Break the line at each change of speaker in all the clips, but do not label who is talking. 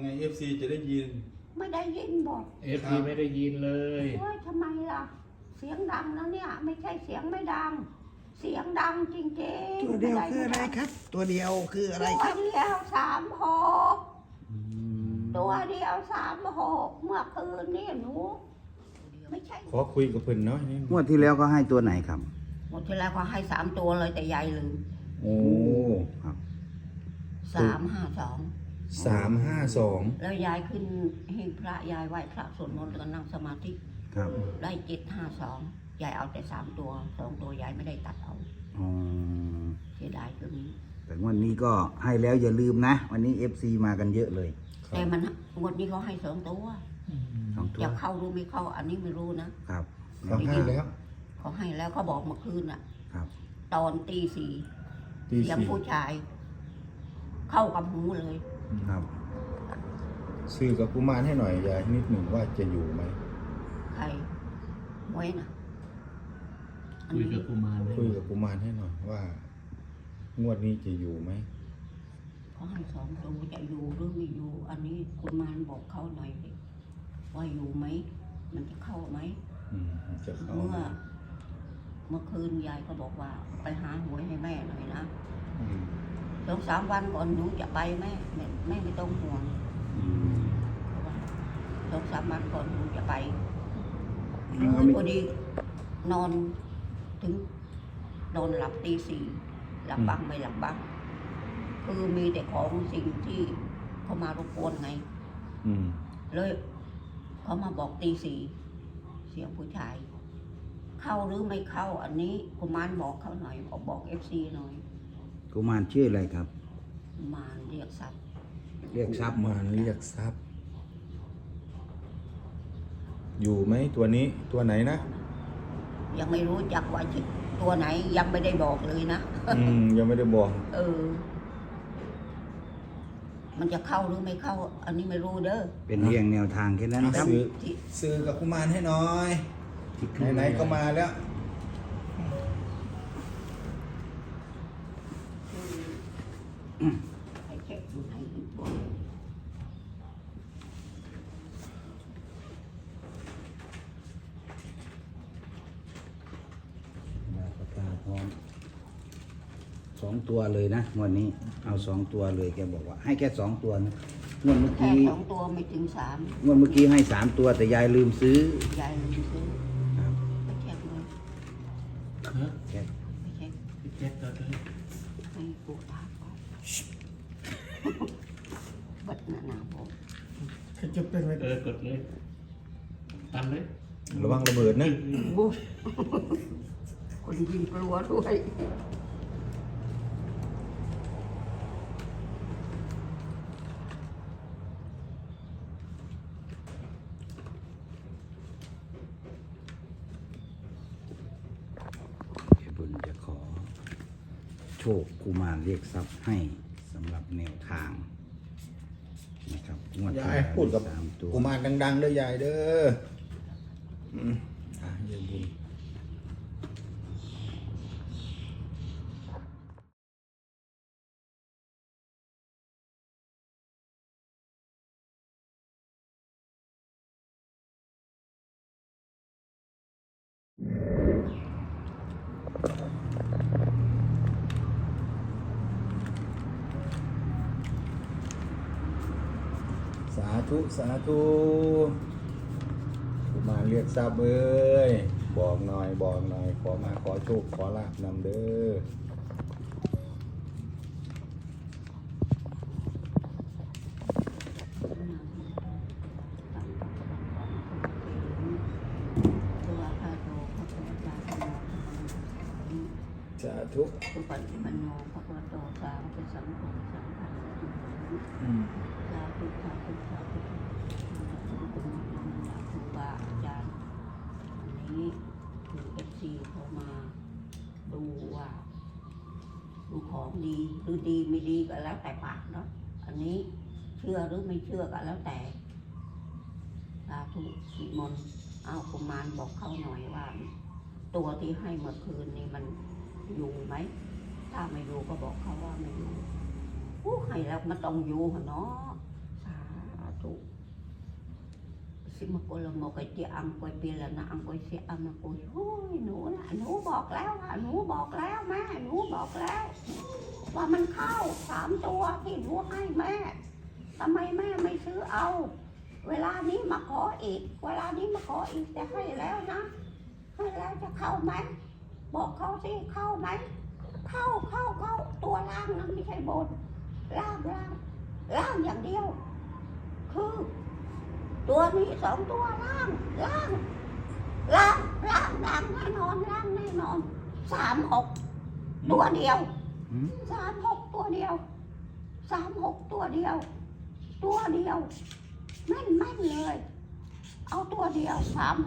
ไง FC จะได้ยิน
ไม่ได้ยินบอก
FP ไม่ได้ยินเลย
ว่าทำไมล่ะเสียงดังแล้วเนี่ยไม่ใช่เสียงไม่ดังเสียงดังจริงๆ
ตัวเดียวคืออะไรครับ ตัวเดียวคืออะไรค
ตั
รับ
วเดียว36ตัวเดียว36เมื่อคืนนี่หนูไม่ใช่
ขอคุยกับเพิ่นน้อยนิด
งวดที่แล้วก็ให้ตัวไหนครับ
หมดที่แล้วก็ให้3ตัวเลยแต่ยายลืม
โอ้
ครับ
352แล้วยายขึ้นให้พระยายไหว้พระสวดมนต์แล้วก็นั่งสมาธิ
ครับ
ได้752ยายเอาแต่3ตัว2ตัวยายไม่ได้ตัดเอา
อ๋อ
เสียดายตัวนี้
แต่งวดนี้ก็ให้แล้วอย่าลืมนะวันนี้ FC มากันเยอะเลย
แต่มันงวดนี้เขาให้2ตัวจะเข้ารู้ไม่เข้าอันนี้ไม่รู้นะครับ
เขาให้แล้ว
เขาให้แล้วเขาบอกเมื่อคืนอ่ะ
ครับ
ตอนตี 4เสียงผู้ชายเข้ากับหูเลย
ครับ
สื่อกับกุมารให้หน่อยยายนิดหนึ่งว่าจะอยู่ไหม
ใครไว้น่ะ
คุยกับกุมาร
ให้หน่อยว่างวดนี้จะอยู่ไหม
เขาให้2ตัวจะอยู่หรือไม่อยู่อันนี้กุมารบอกเขาหน่อยว่าอยู่ไหมมันจะเข้าไหม
จะเข้า
เมื่อคืนยายก็บอกว่าไปหาหวยให้แม่หน่อยนะ2-3 วันก่อนหนูจะไปแม่ไม่ต้องห่วง2-3 วันก่อนหนูจะไปพอดีนอนถึงนอนหลับตี 4หลับบ้างไม่หลับบ้างคือมีแต่ของสิ่งที่เขามารบกวนไงเลยเขามาบอกตี 4เสียงผู้ชายเข้าหรือไม่เข้าอันนี้กุมารบอกเขาหน่อยบอก FC หน่อย
กุมารชื่ออะไรครับ
กุมารเรียกทรัพย์
เรียกทรัพย์
กุมารเรียกทรัพย์อยู่ไหมตัวนี้ตัวไหนนะ
ยังไม่รู้จักว่าตัวไหนยังไม่ได้บอกเลยนะ
ยังไม่ได้บอก
มันจะเข้าหรือไม่เข้าอันนี้ไม่รู้เด้อ
เป็นเรียงแนวทางแค่นั้นครับ
ซื้อกับกุมารให้หน่อยไหนๆก็มาแล้ว
ให้เช็คดูให้ดีกว่า
ตาพร้อม2 ตัวเลยนะวันนี้เอา2 ตัวเลยแกบอกว่าให้แค่2 ตัวนะงวดเมื่อกี้
2 ตัวไม่ถึง3
งวดเมื่อกี้ให้3 ตัวแต่ยายลืมซื้อย
ายลืมซื้อไปเช็คเลย
เช็ค
ไปเช็ค
เลย
ให้ปูตาก่อนบัดหนาผม
จะเป็นอะไรกดเลยตันเลย
ระวังระเบิดนะ
คนยิงกลัวด้วย
บุญจะขอโชคกุมารเรียกทรัพย์ให้สำหรับแนวทางนะครับ
ยายพูดกับกุมารดังๆเลยยายเด้อยายบุญสาธุกุมารเรียกทรัพย์เอ้ยบอกหน่อยขอโชคขอลาภนำเด้อสาธุ
สุปฏิปันโนภะคะวะโตสาวกสังโฆสังฆังสาธุครูบาอาจารย์อันนี้คือ FC เขามาดูว่าดูของดีหรือดีไม่ดีก็แล้วแต่ปากเนาะอันนี้เชื่อหรือไม่เชื่อก็แล้วแต่สาธุนิมนต์เอากุมารบอกเขาหน่อยว่าตัวที่ให้เมื่อคืนนี้มันอยู่ไหมถ้าไม่อยู่ก็บอกเขาว่าไม่อยู่ให้แล้วมันต้องอยู่เนาะสาสิมาโกละโมกเจียอังกวยเปียละนะอังกวยเสียอังมาโกยโอ้ยหนูนะหนูบอกแล้วว่าหนูบอกแล้วแม่หนูบอกแล้ว ว่ามันเข้า3 ตัวที่หนูให้แม่ทำไมแม่ไม่ซื้อเอา เวลานี้มาขออีก เวลานี้มาขออีกแต่ให้แล้วนะให้แล้วจะเข้าไหมบอกเขาสิเข้าไหมเข้าตัวล่างนะไม่ใช่บนล่างอย่างเดียว คือตัวนี้2 ตัวล่างแน่นอน36ตัวเดียว 36ตัวเดียว36ตัวเดียวแม่นเลย เอาตัวเดียว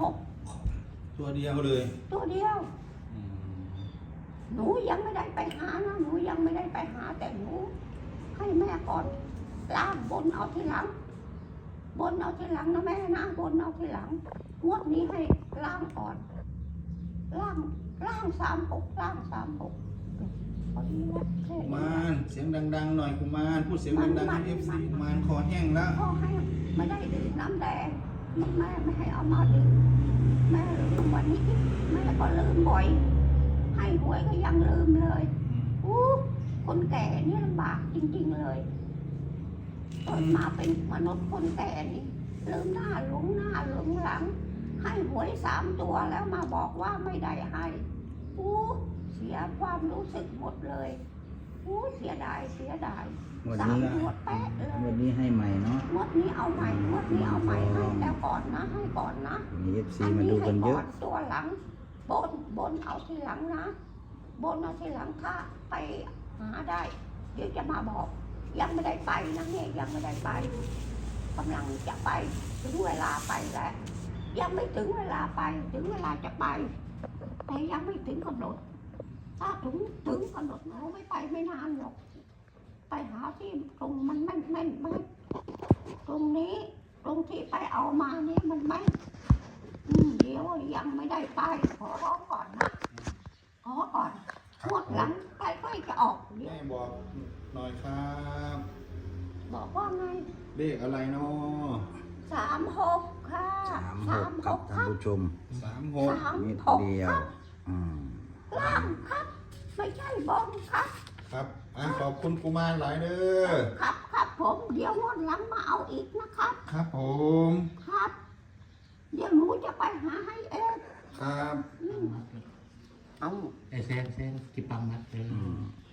36
ตัวเดียวเลย
ตัวเดียวหนูยังไม่ได้ไปหานะหนูยังไม่ได้ไปหาแต่หนูให้แม่ก่อนล่างบนเอาทีหลังนะแม่นะบนเอาทีหลังงวดนี้ให้ล่างก่อนล่าง36พอดีแล้วแค่
กุ
นี้
มารเสียงดังๆหน่อยกุมารพูดเสียงดังๆให้ FC กุมารคอแห้งแล้ว
พ่อให้ไม่ได้ดื่มน้ำแดงแม่ไม่ให้เอามาดื่มแม่ลืมวันนี้แม่ก็ลืมบ่อยให้หวยก็ยังลืมเลยคนแก่นี่ลำบากจริงๆเลยเกิดมาเป็นมนุษย์คนแก่นี่ลืมหน้าหลงหลังให้หวย3 ตัวแล้วมาบอกว่าไม่ได้ให้เสียความรู้สึกหมดเลยเสียดาย
วัน
3
นี้
ตัวแป๊ะเลย
วันนี้ให้ใหม่เนาะ
งวดนี้เอาใหม่ให้แล้วก่อนนะให้ก่อนนะ
มี FC มาดูกันเยอะ
ตัวหลังบนเอาทีหลังนะบนเอาทีหลังถ้าไปหาได้เดี๋ยวจะมาบอกยังไม่ได้ไปนะเนี่ยยังไม่ได้ไปกำลังจะไปถึงเวลาไปแล้วยังไม่ถึงเวลาไปถึงเวลาจะไปแต่ยังไม่ถึงกำหนดถ้าถึงกำหนดเราไม่ไปไม่นานหรอกไปหาที่ตรงมันแม่นตรงนี้ตรงที่ไปเอามานี่มันแม่นเดี๋ยวยังไม่ได้ไปขอร้องก่อนนะขอก่อนงวดหลังใกล้ๆจะออกเดี๋ยว
แม่บอกหน่อยครับ
บอกว่าไง
เลขอะไรเนาะ
36ค่ะ
36ครับท่านผู้ชม
36
นิดเดียว
ล่างครับ ไม่ใช่บนครับ
ครับขอบคุณกุมารหลายเด้อ
ครับผมเดี๋ยวงวดหลังมาเอาอีกนะครับ
ครับผม
ครับ เดี๋ยวหนูจะไปหาให้เอง
ครับ
เอา
เซนกิปังมัดเลย